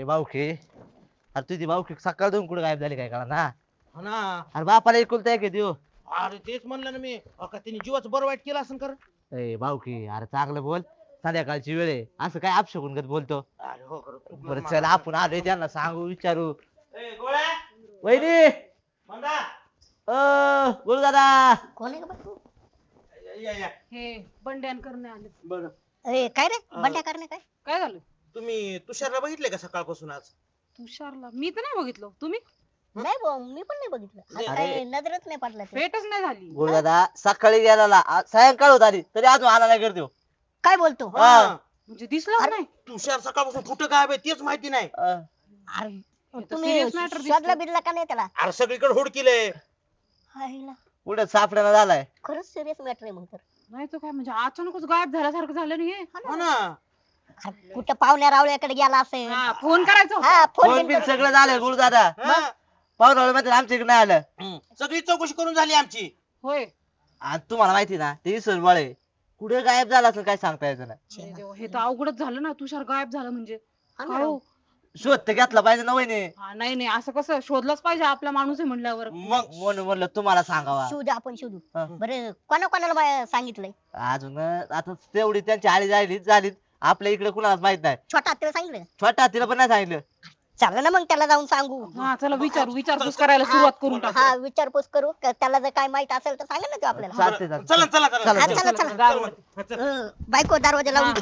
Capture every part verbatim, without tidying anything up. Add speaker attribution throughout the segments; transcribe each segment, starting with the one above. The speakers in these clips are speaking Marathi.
Speaker 1: अरे भाऊकी, अरे तुझी भाऊकी सकाळ दोन कुठे गायब झाली काय कळा ना.
Speaker 2: हा ना.
Speaker 1: अरे बापाला एकुलता एक देऊ.
Speaker 2: अरे तेच म्हणलं ना मी, अहो, का तिने जीवाचं बरं वाईट केलं असं कर.
Speaker 1: ए भाऊकी अरे चांगलं बोल, संध्याकाळची वेळ आहे असं काय अपशगुन करत बोलतो.
Speaker 2: अरे हो खरं चुकलं
Speaker 1: बरं
Speaker 2: माझं.
Speaker 1: चल आपण आलोय त्यांना सांगू विचारू.
Speaker 2: ए, गोळ्या
Speaker 1: वहिनी
Speaker 2: मंदा
Speaker 1: अ बोल दादा.
Speaker 3: कोण आहे का बाई?
Speaker 2: या या
Speaker 4: हे बंड्यान करणे आले.
Speaker 2: बरं.
Speaker 3: ए, काय रे
Speaker 2: अं.
Speaker 3: बंड्या करणे काय?
Speaker 4: काय झालं?
Speaker 2: तुम्ही तुषारला बघितले का सकाळपासून आज?
Speaker 4: तुषारला मी तर नाही बघितलं. तुम्ही?
Speaker 3: नाही भाऊ, मी पण नाही बघितलं. आज
Speaker 1: अरे.
Speaker 3: काय नजरच नाही पडला ते.
Speaker 4: भेटच नाही झाली.
Speaker 1: बोल दादा सकाळी गेला सायंकाळ होत आली तरी अजून आला नाही करतो.
Speaker 3: काय बोलतो?
Speaker 1: हा.
Speaker 4: म्हणजे दिसलं नाही.
Speaker 2: तुषार सकाळपासून कुठं गायब आहे तेच माहिती नाही.
Speaker 3: अरे
Speaker 4: तर
Speaker 3: तुम्ही
Speaker 4: serious matter दिसतोय.
Speaker 3: शोधला बिरला का नाही त्याला?
Speaker 2: अरे सगळीकडे हुडकिले.
Speaker 3: हायला,
Speaker 1: पुढे सापड्याला झालाय.
Speaker 3: खरंच सिरियस मॅटर आहे मग तर.
Speaker 4: नाही तर काय म्हणजे अचानकच गायब झाल्यासारखं झालं नाही हे.
Speaker 2: हो ना.
Speaker 3: अरे, कुठं पाहुण्या रावळ्याकडे गेला असेल.
Speaker 4: हा, फोन करायचा होता.
Speaker 3: हा, फोन
Speaker 1: फोन
Speaker 3: बिन
Speaker 1: बिन
Speaker 3: करून-
Speaker 1: सगळं झालंय गुरु दादा.
Speaker 2: हा.
Speaker 1: पाहुणे मात्र आमच्या इकडे नाही आलं.
Speaker 2: हम्म. सगळी चौकशी करून झाली आमची.
Speaker 4: होय.
Speaker 1: आणि तुम्हाला माहिती ना ते इसर बळे कुठे गायब झाला असेल काय सांगता यायचं नाही.
Speaker 4: अरे देवा, हे तर अवघडच झालं ना. तुषार गायब झालं म्हणजे.
Speaker 3: हा ना.
Speaker 4: काय हो?
Speaker 1: शोध तर घेतला पाहिजे ना वहिनी.
Speaker 4: हा, नाही नाही असं कसं शोधलंच पाहिजे आपला माणूस आहे म्हणल्यावर.
Speaker 1: मग म्हणून म्हणलं तुम्हाला सांगावा.
Speaker 3: शोधू आपण शोधू.
Speaker 1: हा.
Speaker 3: बरं कोणा कोणाला मा- सांगितलंय?
Speaker 1: अजून आता तेवढी त्यांची आळी झाली झाली आपल्या इकडे कुणालाच माहित नाही.
Speaker 3: छोटा हत्तीला सांगितलं?
Speaker 1: छोटा तिला पण नाही सांगितलं.
Speaker 3: चला ना मग त्याला जाऊन सांगू.
Speaker 4: हा चला विचार विचारपूस करायला सुरुवात करून टाकू.
Speaker 3: हा, विचारपूस करू. क- त्याला जर काय माहित असेल तर सांगा ना तो आपल्याला.
Speaker 1: चालते चालते.
Speaker 2: चला चला चला
Speaker 1: चला,
Speaker 3: हा,
Speaker 1: चला.
Speaker 3: चला
Speaker 4: चला,
Speaker 3: चला.
Speaker 4: दारावरती.
Speaker 2: हा, चल.
Speaker 3: हं, बायको दरवाजा लावून दे.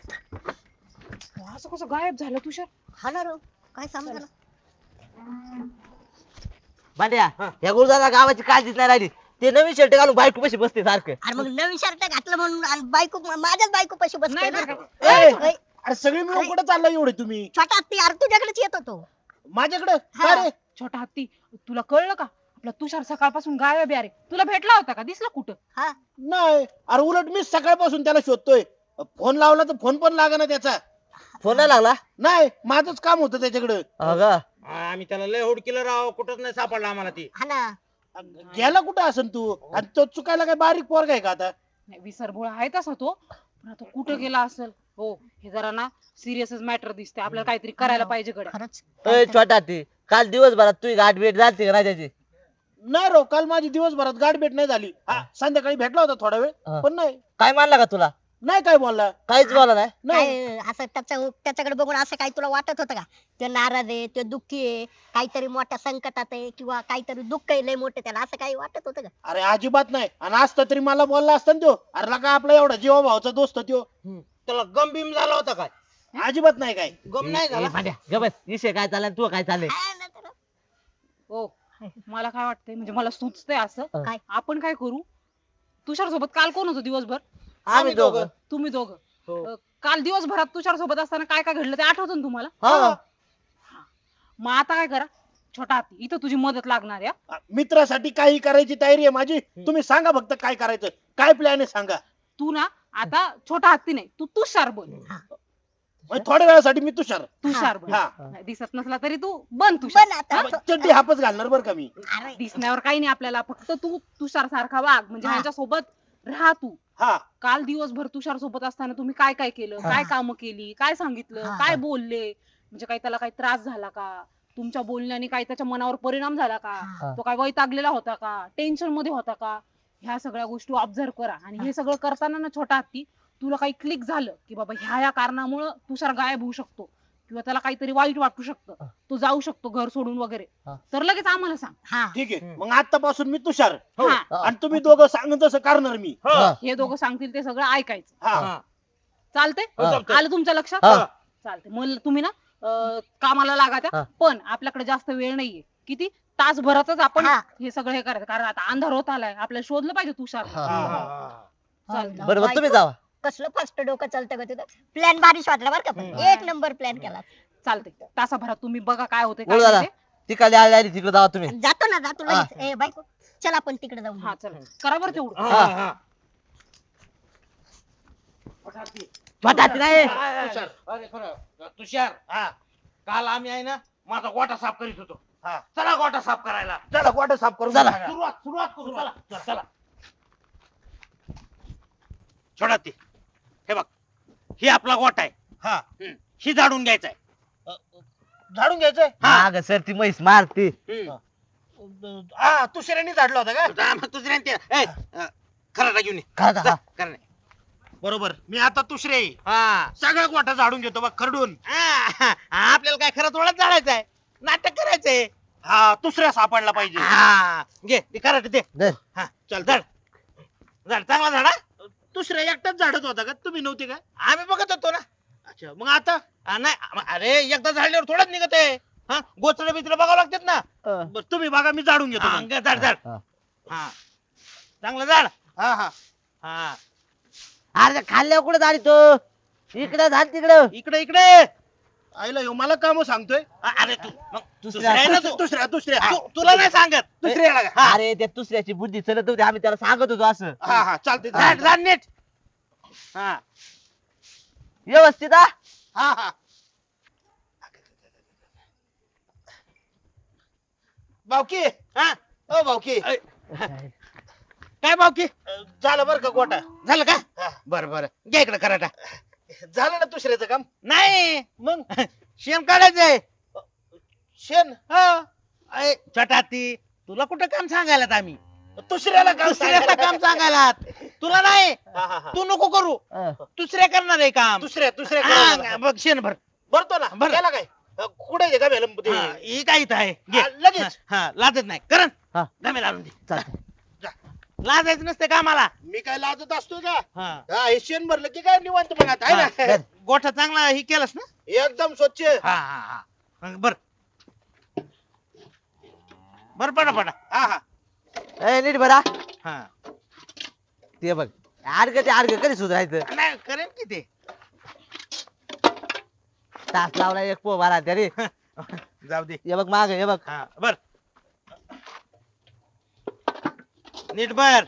Speaker 4: असं कसं गायब झालं तुषार?
Speaker 3: हा ना रो, काय समजा.
Speaker 1: भांड्या
Speaker 2: हा.
Speaker 1: या गुरुदादा गावाची काळजीच नाही राहिली. ते नवीन शर्ट घालून बायको कशी बसते सारखं.
Speaker 3: अरे मग नवीन शर्ट घातलं म्हणून आणि बायको माझ्याच बायको पशी बसते
Speaker 4: नाही
Speaker 3: ना.
Speaker 4: तर काय.
Speaker 2: ए,
Speaker 3: ओय,
Speaker 2: अरे सगळी मिळून कुठे चालला एवढे तुम्ही?
Speaker 3: छोटा हत्ती अरे तुझ्याकडेच येत होतो.
Speaker 2: माझ्याकडे?
Speaker 3: हा.
Speaker 2: अरे
Speaker 4: छोटा हत्ती, तुला कळलं का? आपला तुषार सकाळपासून गायब आहे. अरे तुला भेटला होता का? दिसला कुठं?
Speaker 3: हा,
Speaker 2: नाही, अरे उलट मी सकाळपासून त्याला शोधतोय. फोन लावला तर फोन पण लागना त्याचा.
Speaker 1: फोन नाही लागला.
Speaker 2: नाही, माझंच काम होतं त्याच्याकडे.
Speaker 1: अगं
Speaker 2: आम्ही त्याला लय हुडकिलं राव, कुठंच नाही सापडला आम्हाला ती.
Speaker 3: हा ना.
Speaker 2: गेला कुठं असन तू? आणि तो चुकायला काय बारीक पोरगा आहे का आता?
Speaker 4: नाही, विसरभोळा आहे तसा तो, पण आता कुठं गेला असेल? हो, हे जरा ना सिरियसच मॅटर दिसते. आपल्याला काहीतरी करायला पाहिजे गड्या.
Speaker 3: खरंच.
Speaker 1: अय छोटा ती काल दिवसभरात तुझी गाठ भेट झाली का नाही त्याची?
Speaker 2: नाही राव, काल माझी दिवसभरात गाठ भेट नाही झाली. हा, संध्याकाळी भेटला होता थोडा वेळ,
Speaker 1: हा.
Speaker 2: पण नाही
Speaker 1: काय मानला का तुला?
Speaker 2: नाही काय बोलला.
Speaker 1: काहीच बोला नाही.
Speaker 2: नाही
Speaker 3: काय असं त्याच्या त्याच्याकडे बघून असं काही तुला वाटत होतं का? ते नाराज आहे, ते दुःखी आहे, काहीतरी मोठ्या संकटात आहे किंवा काहीतरी दुःख आहे लय मोठे त्याला, असं काही वाटत होतं का?
Speaker 2: अरे अजिबात नाही. आणि असता तरी मला बोलला असता ना त्यो. अरे का आपला एवढा जीवा भावाचा दोस्त त्यो. त्याला गम बिम झाला होता काय? अजिबात नाही काय गम नाही
Speaker 1: ए,
Speaker 2: झाला.
Speaker 1: भांड्या ग बस. विषय काय चाललाय तू काय चाललंय?
Speaker 3: हा ना तर.
Speaker 4: हो, मला काय वाटतंय म्हणजे मला सुचतंय असं.
Speaker 3: काय?
Speaker 4: आपण काय करू? तुषार सोबत काल कोण होतं दिवसभर?
Speaker 1: आम्ही दोघं.
Speaker 4: तुम्ही दोघं.
Speaker 2: हो.
Speaker 4: अं, काल दिवसभरात तुषार सोबत असताना काय काय घडलं ते आठवतं ना तुम्हाला?
Speaker 1: हा.
Speaker 4: मग आता काय करा, छोटा हत्ती इथं तुझी मदत लागणार आहे हा.
Speaker 2: मित्रासाठी काही करायची तयारी आहे माझी. तुम्ही सांगा फक्त काय करायचं, काय प्लॅन आहे सांगा.
Speaker 4: तू ना आता छोटा हत्ती नाही, तू तुषार बन.
Speaker 2: म्हणजे थोड्या वेळासाठी मी तुषार.
Speaker 4: तुषार बन.
Speaker 2: हा.
Speaker 4: नाही, दिसत नसला तरी तू बन तुषार.
Speaker 3: पण आता
Speaker 2: मग चड्डी हापच घालणार बरं का मी.
Speaker 3: अरे
Speaker 4: दिसण्यावर काही नाही आपल्याला, फक्त तू तुषार सारखा वाग म्हणजे
Speaker 3: हा.
Speaker 4: ह्यांच्या सोबत राहा तू.
Speaker 2: हा
Speaker 4: काल दिवसभर तुषार सोबत असताना तुम्ही काय काय केलं, काय कामं केली, काय सांगितलं,
Speaker 3: हा.
Speaker 4: काय बोलले, म्हणजे काही त्याला काही त्रास झाला का, तुमच्या बोलण्याने काही त्याच्या मनावर परिणाम झाला का,
Speaker 3: हा.
Speaker 4: तो काय वैतागलेला होता का, टेन्शन मध्ये होता का, ह्या सगळ्या गोष्टी ऑब्झर्व करा. आणि हे सगळं करताना ना छोटा हत्ती, तुला काही क्लिक झालं की बाबा ह्या ह्या कारणामुळं तुषार गायब होऊ शकतो किंवा त्याला काहीतरी वाईट वाटू शकतं, तो जाऊ शकतो घर सोडून वगैरे,
Speaker 1: हा.
Speaker 4: तर लगेच आम्हाला सांग.
Speaker 3: हा,
Speaker 2: ठीक आहे. मग आतापासून मी तुषार.
Speaker 4: हा.
Speaker 2: आणि तुम्ही दोघं सांगत तसं करणार मी.
Speaker 1: हा.
Speaker 4: हे दोघं सांगतील ते सगळं ऐकायचं.
Speaker 2: हा
Speaker 4: चालतंय?
Speaker 1: हा.
Speaker 4: आलं तुमच्या लक्षात?
Speaker 1: हा.
Speaker 4: चालतंय. मग तुम्ही ना अं, कामाला लागा त्या.
Speaker 1: हा.
Speaker 4: पण आपल्याकडे जास्त वेळ नाहीये. किती तासभरातच आपण
Speaker 3: हा.
Speaker 4: हे सगळं हे करायचं, कारण आता अंधार होत आलाय, आपल्याला शोधलं पाहिजे तुषार.
Speaker 1: हा.
Speaker 2: हा, हा.
Speaker 4: चालतंय.
Speaker 1: बरोबर तुम्ही जावा.
Speaker 3: कसलं फास्ट डोकं चालतं का तुझं? प्लॅन भारी वाटला बरं का, पण
Speaker 2: हम्म.
Speaker 3: एक नंबर प्लॅन केला.
Speaker 4: चालतंय. तासाभरात तुम्ही बघा काय होते
Speaker 1: बोल दादा तिकडे आली आली तिकडे जावा तुम्ही.
Speaker 3: जातो ना, जातो लगेच. ए बायको चल आपण तिकडे जाऊ.
Speaker 4: हा चला करा बरं तेवढं.
Speaker 2: हा, हा.
Speaker 1: छोटा हत्ती नाही.
Speaker 2: तुषार. अरे खरं तुषार. हा काल आम्ही आहे ना माझा गोटा साफ करीत होतो. हा चला गोटा साफ करायला. चला गोटा साफ करू.
Speaker 1: चला.
Speaker 2: सुरुवात सुरुवात करू. चला चला, चला. छोडा ती. हे बघ ही आपला गोटा आहे. हा ही झाडून घ्यायचा आहे. झाडून घ्यायचंय
Speaker 1: माग सर ती म्हैस मारते.
Speaker 2: हा दुसऱ्याने झाडला होता का
Speaker 5: जा मग दुसऱ्याने ते ए, अं, खराटा घेऊन ये.
Speaker 1: खरं
Speaker 5: जा,
Speaker 1: का?
Speaker 5: खरं नाही.
Speaker 2: बरोबर मी आता दुसरे
Speaker 5: हा
Speaker 2: सगळा गोठा झाडून घेतो बघ खरडून
Speaker 5: हा, आपल्याला काय खरं थोडंच झाडायचंय नाटक करायचंय
Speaker 2: हा दुसऱ्या सापडला पाहिजे
Speaker 5: हा घे ते खराटे दे
Speaker 1: धर.
Speaker 5: हा चल झाड झाड चांगला झाडा
Speaker 2: दुसऱ्या एकटाच झाडत होता का तुम्ही नव्हते का
Speaker 5: आम्ही बघत होतो ना
Speaker 2: अच्छा मग आता
Speaker 5: हा, नाही अम- अरे एकदा झाडल्यावर थोडंच निघत आहे हा गोचडे बिचडे बघावं लागतात ना
Speaker 1: अं,
Speaker 2: बरं, तुम्ही बघा मी झाडून घेतो
Speaker 5: हा,
Speaker 2: मग.
Speaker 5: घे, झाड झाड
Speaker 1: हा.
Speaker 5: हा चांगलं झाड
Speaker 2: हा हा
Speaker 5: हा
Speaker 1: अरे खाल्ल्यावर कुठे झाली तो इकडे झाड तिकडं.
Speaker 5: इकडे इकडे
Speaker 2: आईला ह्यो मला काम सांगतोय
Speaker 5: अ- अरे तू मग
Speaker 1: दुसऱ्या-
Speaker 5: दुसऱ्या आहे ना तू
Speaker 2: दुसऱ्या दुसऱ्या
Speaker 5: तू- तुला नाही सांगत
Speaker 2: दुसऱ्याला का? हा
Speaker 1: अरे त्या दुसऱ्याची बुद्धी चलत होती आम्ही त्याला सांगत होतो असं.
Speaker 2: हा हा चालते
Speaker 5: झाड झाड नीट हा
Speaker 1: व्यवस्थित हा.
Speaker 2: हा हा भाऊकी
Speaker 5: हा
Speaker 2: ओ भाऊकी
Speaker 5: ऐ, काय भावकी
Speaker 2: अं, झालं बरं का गोठा
Speaker 5: झालं का
Speaker 2: हा.
Speaker 5: बर बर घ्या इकडे खराटा
Speaker 2: झालं ना दुसऱ्याचं काम
Speaker 5: नाही
Speaker 2: मग
Speaker 5: शेण काढायचंय
Speaker 2: शेण
Speaker 5: अय छोटा ती तुला कुठं काम सांगायला आम्ही
Speaker 2: दुसऱ्याला काम
Speaker 5: दुसऱ्याला काम सांगायला तुला नाही
Speaker 2: हा, हा, हा.
Speaker 5: तू नको करू
Speaker 1: अं,
Speaker 5: दुसऱ्या करणार आहे काम
Speaker 2: दुसऱ्या दुसऱ्या
Speaker 5: हा,
Speaker 2: करायला.
Speaker 5: बघ शेण भर
Speaker 2: भरतो ना
Speaker 5: भर.
Speaker 2: गेला काय अं, कुठे आहे का मॅडम ते?
Speaker 5: हा, ही काय इथं आहे घे.
Speaker 2: हा, लगेच.
Speaker 5: हा, हा, लाजत नाही करण
Speaker 1: हा.
Speaker 5: गमे लावून दे
Speaker 1: चालतंय.
Speaker 5: लाजायचं नसते कामाला
Speaker 2: मी काय लाजत असतोय का
Speaker 5: हा
Speaker 2: हा हे शेण भरलं की काय निवांत मग आता आहे
Speaker 5: हा,
Speaker 2: ना
Speaker 1: धर.
Speaker 5: गोठा चांगला ही केलास ना
Speaker 2: एकदम स्वच्छ
Speaker 5: हा हा हा मग बर बर पडा पडा
Speaker 2: हा हा
Speaker 1: ए, नीट बरा
Speaker 5: हा
Speaker 1: ते बघ आडग ते आडग कधी सुधारायचं.
Speaker 5: नाही करेन की ते
Speaker 1: तास लावला एक पो भरा तरी.
Speaker 5: जाऊ दे
Speaker 1: हे बघ माग हे बघ.
Speaker 5: हा बर नीट बर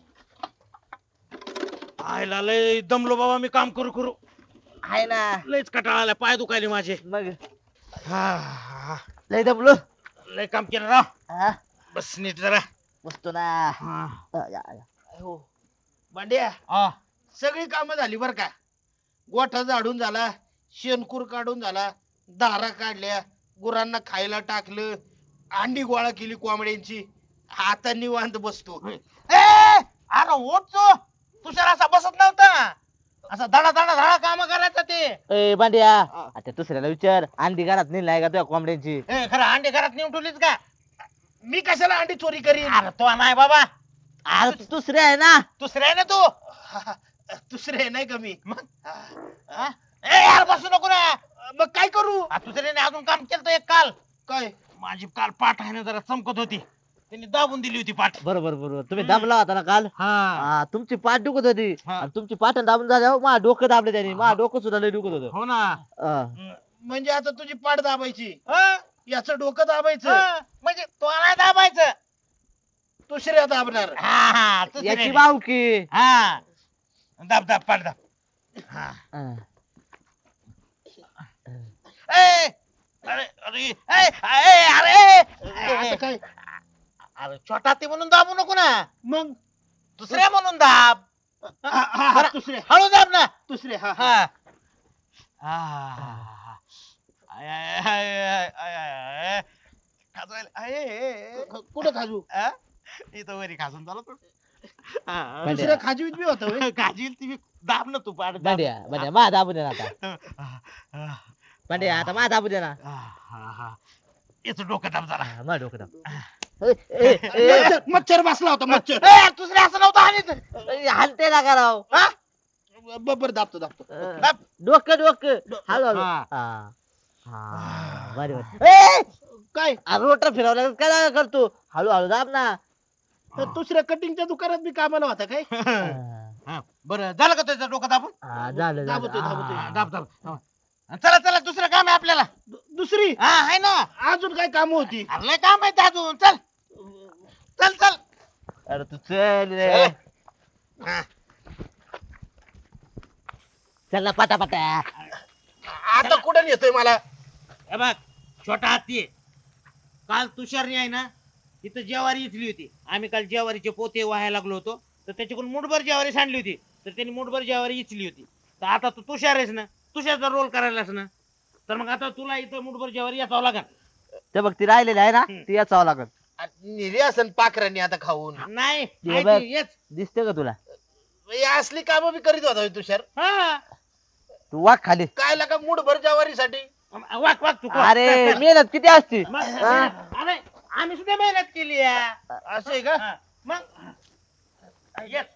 Speaker 5: आयला लय दमलो बाबा मी काम करू करू
Speaker 1: आहे ना
Speaker 5: लयच कटाळा आला पाय दुखायले माझे
Speaker 1: मग
Speaker 5: हा
Speaker 1: लय दमलो.
Speaker 5: लय काम केलं राव
Speaker 1: हा
Speaker 5: बस नीट जरा
Speaker 1: बसतो ना.
Speaker 5: हा
Speaker 1: अं, या, या.
Speaker 2: हो भांड्या
Speaker 5: हा.
Speaker 2: सगळी कामं झाली बर का गोठा झाडून झाला शेणकूर काढून झाला दारा काढल्या गुरांना खायला टाकलं अंडी गोळा केली कोंबड्यांची आता निवांत बसतो
Speaker 5: ए अरे ओट तो तुषार असा बसत नव्हता असा धडा धडा धडा काम करायचा ते
Speaker 1: ए बांड्या
Speaker 2: हा.
Speaker 1: आता दुसऱ्याला विचार अंडी घरात नेली नाही का तुझ्या कोंबड्यांची.
Speaker 5: ए, खरं अंडे घरात नेऊन ठेवलीच का
Speaker 2: मी कशाला अंडी चोरी करीन
Speaker 5: अरे तो नाही बाबा
Speaker 1: अरे तू दुसरे आहे ना.
Speaker 5: दुसरा आहे ना तू
Speaker 2: दुसरे नाही का मी
Speaker 5: हा? ए यार बसू नको ना
Speaker 2: मग काय करू
Speaker 5: आ, दुसऱ्याने अजून काम केलं एक काल
Speaker 2: काय
Speaker 5: माझी काल पाठ आहे ना जरा चमकत होती त्यांनी दाबून दिली होती पाठ
Speaker 1: बरोबर बरोबर तुम्ही दाबला होता ना काल.
Speaker 5: हा
Speaker 1: हा तुमची पाठ दुखत होती
Speaker 5: हा.
Speaker 1: आणि तुमची पाठ दाबून झाल्यावर माझं डोकं दाबले त्यांनी माझं डोकं सुद्धा लय दुखत होतं.
Speaker 5: हो ना
Speaker 1: अं,
Speaker 2: म्हणजे आता तुझी पाठ दाबायची
Speaker 5: हा,
Speaker 2: याचं डोकं दाबायचं
Speaker 5: हा, म्हणजे तो नाही दाबायचं
Speaker 2: दुसऱ्या दाबणार
Speaker 5: हा हा
Speaker 1: याची
Speaker 5: दुसऱ्याने.
Speaker 1: बावकी.
Speaker 5: हा दाब दाब पाठ दाब हा
Speaker 1: अं,
Speaker 5: ए अरे अरे ए, ए, अरे
Speaker 2: आता
Speaker 5: ए,
Speaker 2: काय
Speaker 5: अरे छोटा ते म्हणून दाबू नको ना
Speaker 2: मग
Speaker 5: दुसऱ्या म्हणून दाब
Speaker 2: हा, हा, हा, दुसऱ्या
Speaker 5: हळू दाब ना
Speaker 2: दुसऱ्या हा हा
Speaker 5: हा हा. आय, आय, आय, आय, आय, आय, आय. खाजवायला. आय, आय, आय.
Speaker 2: कुठं खाजू
Speaker 5: आ? इथं वरी खाजून झालं पण हा.
Speaker 2: दुसऱ्या खाजी बी होता होय?
Speaker 5: काजील ती दाब ना तू पाठ दाब.
Speaker 1: बांड्या बांड्या मा दाबू दे ना आता.
Speaker 5: हा,
Speaker 1: बांड्या आता मा दाबू दे ना.
Speaker 5: हा, हा. याचं डोकं दाब जरा
Speaker 1: हा, मा डोकं दाब. ए, ए, ए,
Speaker 2: मच्छर मच्छर बसला होता मच्छर
Speaker 5: ए, दुसरे असं नव्हतं आणि
Speaker 1: ए, हालते ना कराव.
Speaker 2: बरोबर दाबतो दाबतो
Speaker 5: दाब.
Speaker 1: डोकं डोकं हळू हळू.
Speaker 5: हा.
Speaker 1: हा हा बरे बरे. ए
Speaker 2: काय
Speaker 1: रोटर फिरवल्या काय करतो हळू हळू दाब ना.
Speaker 2: तर दुसऱ्या कटिंगच्या दुकानात मी कामाला होता काय
Speaker 1: हा,
Speaker 5: हा, बरं झालं का त्याचं डोकं दाबून
Speaker 1: हा, झालं
Speaker 2: दाबतोय,
Speaker 1: झालं.
Speaker 2: दाबतोय.
Speaker 1: हा,
Speaker 5: दाब दाब हा. चला चला दुसरं काम आहे आपल्याला
Speaker 2: दु- दुसरी
Speaker 5: हा आहे ना
Speaker 2: अजून काय काम होती
Speaker 5: अरे लय काम आहे अजून चल चल चल
Speaker 1: अरे तू चल रे.
Speaker 5: हा.
Speaker 1: चल ना पटा पटा.
Speaker 2: आता कुठं नेतोय मला
Speaker 5: हे बघ छोटा हत्ती आहे. काल तुषारने आहे ना इथं ज्वारी इथली होती आम्ही काल ज्वारीचे पोते व्हायला लागलो होतो तर त्याच्याकडून मुठभर ज्वारी सांडली होती तर त्यांनी मुठभर ज्वारी इचली होती तर आता तू तुषार आहेस ना तुषारचा रोल करायलास ना तर मग आता तुला इथं मुठभर जेवारी याचावं लागेल.
Speaker 1: ते बघ ती राहिलेली आहे ना ती याचावं लागल.
Speaker 2: निरे असन पाखरांनी आता खाऊन
Speaker 5: नाही
Speaker 1: हे
Speaker 5: आहे
Speaker 1: बघ.
Speaker 5: ती, येच.
Speaker 1: दिसते का तुला?
Speaker 2: हे असली कामं बी करीत होता होय तुषार.
Speaker 5: हा.
Speaker 1: तू वाघ खाली.
Speaker 2: काय लागा मूठभर ज्वारीसाठी.
Speaker 5: वाक वाक तू वाक.
Speaker 1: अरे मेहनत किती असते.
Speaker 5: मग,
Speaker 1: हा?
Speaker 5: अरे आम्ही सुद्धा मेहनत केली आहे.
Speaker 2: असं आहे का?
Speaker 5: हा, मग येस.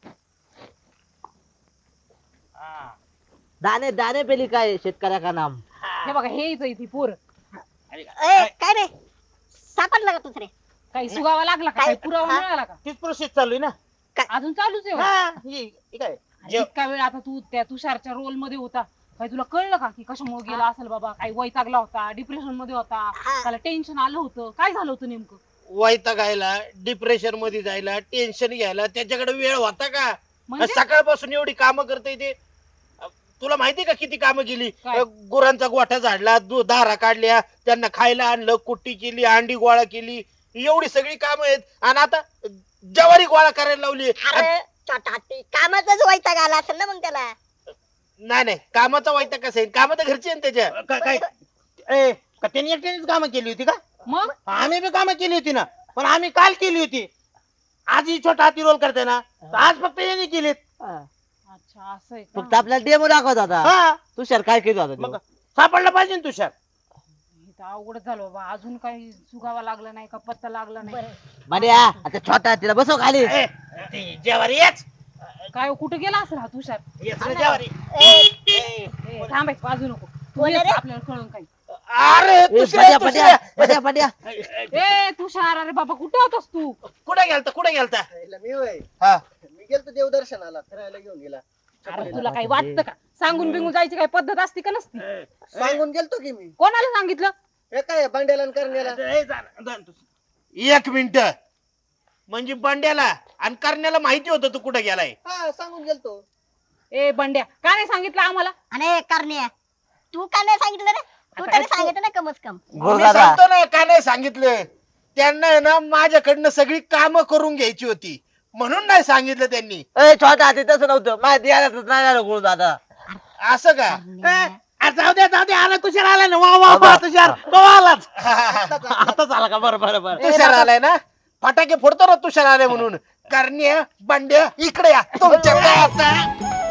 Speaker 5: हा.
Speaker 1: दाणे दाणे पेली काय शेतकऱ्या का नाम.
Speaker 4: हे बघा हे इथं इथे पोर
Speaker 5: अरे,
Speaker 3: ए काय रे सापडला का दुसरे?
Speaker 4: काही सुगावा लागला का
Speaker 3: काय?
Speaker 4: काही पुरावा
Speaker 3: हा?
Speaker 4: मिळाला का?
Speaker 5: तीच प्रोसेस चालू आहे ना.
Speaker 4: अजून चालूच आहे होय?
Speaker 5: हा, हे- हे काय
Speaker 4: अरे
Speaker 5: जेव-
Speaker 4: इतका वेळ आता तू त्या तुषारच्या रोल मध्ये होता, काही तुला कळलं का की कशामुळे गेला असेल बाबा? काही वैतागला होता, डिप्रेशन मध्ये होता,
Speaker 3: हा.
Speaker 4: त्याला टेन्शन आलं होतं, काय झालं होतं नेमकं?
Speaker 2: वैतागायला डिप्रेशन मध्ये जायला टेन्शन घ्यायला त्याच्याकडे वेळ होता का?
Speaker 4: म्हणजे
Speaker 2: सकाळपासून एवढी कामं करते ते. अ, तुला माहिती का किती कामं केली?
Speaker 4: काय?
Speaker 2: अ, गुरांचा गोठा झाडला, दु- दारा काढल्या, त्यांना खायला आणलं, कुट्टी केली, अंडी गोळा केली, एवढी सगळी कामं आहेत. आणि आता ज्वारी गोळा करायला लावली.
Speaker 3: अरे छोटा हत्ती कामाचाच वैताग आला असेल ना मग त्याला.
Speaker 2: नाही नाही, कामाचा वैताग कसं आहे? कामं तर घरची आहे ना त्याच्या.
Speaker 5: काय काय ए, का त्यांनी एकट्यानेच कामं केली होती का?
Speaker 4: मग
Speaker 5: आम्ही बी कामं केली होती ना, पण आम्ही काल केली होती. आज ही छोटा हाती रोल करते ना, तर आज फक्त यांनी केलीत.
Speaker 4: अच्छा असं आहे
Speaker 1: फक्त
Speaker 4: का?
Speaker 1: आपल्याला डेमो दाखवत होता.
Speaker 5: हा,
Speaker 1: तुषार काय केलं होता
Speaker 5: मग
Speaker 1: तो?
Speaker 5: सापडला पाहिजे ना तुषार.
Speaker 4: हे तर अवघडच झालं बाबा, अजून काही सुगावा लागला नाही का, पत्ता लागला नाही.
Speaker 1: बड्या आता छोटा तिला बसव खाली.
Speaker 5: ए, ती जेवारी येच.
Speaker 4: काय हो, कुठे गेला असेल हा तुषार?
Speaker 5: येच रे जेवारी.
Speaker 4: ए, थांब एक बाजू नको तू
Speaker 3: कोण
Speaker 4: ये,
Speaker 3: आहे रे?
Speaker 4: आपल्याला कळून काही.
Speaker 2: अरे
Speaker 1: ए,
Speaker 2: दुसऱ्या-
Speaker 1: बड्या बड्या
Speaker 2: दुसऱ्या.
Speaker 1: बड्या बड्या.
Speaker 4: ए तुषार, अरे बाबा कुठे होतास तू?
Speaker 2: कुठे गेलता कुठे गेलता?
Speaker 6: मी होय
Speaker 2: हा.
Speaker 6: मी गेलतो देवदर्शनाला फिरायला घेऊन गेला
Speaker 4: अरे तुला काही वाटतं का? सांगून बिंगून जायची काही पद्धत असते का नसती?
Speaker 6: सांगून गेलतो की मी
Speaker 4: कोणाला सांगितलं?
Speaker 6: हे काय बांड्याला आणि करण्याला
Speaker 5: ए, जा ना, जा ना तू.
Speaker 2: एक मिनिट. म्हणजे बंड्याला आणि करण्याला माहिती होतं तू कुठे गेलाय.
Speaker 6: हा सांगून गेलतो.
Speaker 4: ए बंड्या, का नाही सांगितलं आम्हाला?
Speaker 3: आणि करण्या तू का नाही सांगितलं रे? तू
Speaker 4: आता
Speaker 3: तरी
Speaker 4: काय
Speaker 3: सांगितलं ना कमच कम.
Speaker 2: मी
Speaker 1: गुरुदादा
Speaker 2: सांगतो ना का नाही सांगितलं. त्यांना आहे ना माझ्याकडनं सगळी कामं करून घ्यायची होती म्हणून नाही सांगितलं त्यांनी.
Speaker 1: ए छोटा हाती तसं नव्हतं माहिती आलं नाही आलं गुरु दादा.
Speaker 2: असं का?
Speaker 3: करण्या.
Speaker 5: आ, जाऊ दे जाऊ दे, आला तुषार आला ना. वा वा वा तुषार, तो आलाच.
Speaker 1: आताच आला का? बरं बरं बरं.
Speaker 2: तुषार आलाय ना, फटाके फोडतो ना तुषार आलाय म्हणून. करण्या बंड्या इकडे या तुमच्याकडे आता